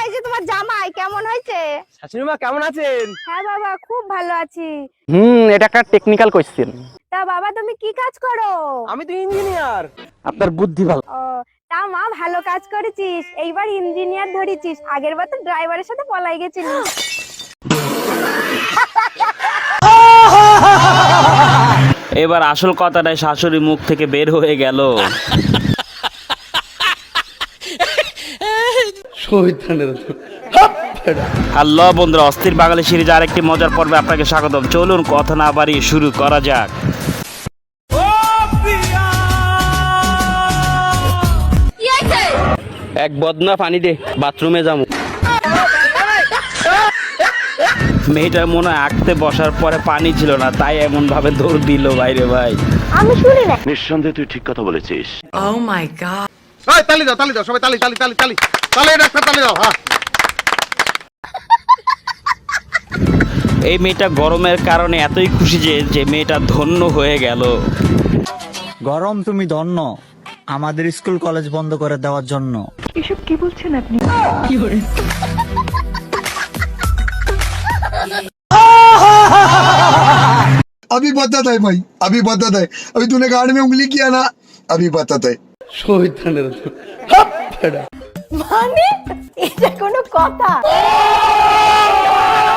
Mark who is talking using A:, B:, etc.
A: যে তোমার জামাই কেমন হয়েছে?
B: শাশুড়ি মা কেমন আছেন?
A: হ্যাঁ বাবা, খুব ভালো আছি।
B: এটা একটা টেকনিক্যাল কোশ্চেন।
A: তা বাবা তুমি কি কাজ করো?
B: আমি তো ইঞ্জিনিয়ার। আপনার বুদ্ধি ভালো।
A: ও, তা মা ভালো কাজ করেছিস, এইবার ইঞ্জিনিয়ার ধরেছিস, আগের বার তো ড্রাইভারের সাথে পলাই গেছিলিস।
C: এবার আসল কথাটাই শাশুড়ি মুখ থেকে বের হয়ে গেল। হ্যালো বন্ধুরা, অস্থির বাঙালি সিরিজ আরেকটি মজার পর্বে আপনাকে স্বাগতম। চলুন কথা না বাড়িয়ে শুরু করা যাক।
B: এক বদনা পানি দে, বাথরুমে যাবো।
C: মেয়েটার মনে হয় আঁকতে বসার পরে পানি ছিল না, তাই এমন ভাবে দৌড় দিল বাইরে ভাই।
A: আমি শুনি না।
D: নিঃসন্দেহে তুই ঠিক কথা বলেছিস।
E: Oh my god.
F: এই তালি দাও সবাই তালি ডাক্তার তালি দাও। হ্যাঁ,
C: এই মেয়েটা গরমের কারণে এতই খুশি যে মেয়েটা ধন্য হয়ে গেল।
G: গরম তুমি ধন্য আমাদের স্কুল কলেজ বন্ধ করে দেওয়ার জন্য।
H: अभी बताता है भाई, अभी बताता है। अभी तूने गाड़ में उंगली किया ना, अभी बताता है।
A: মানে এটা কোনো কথা?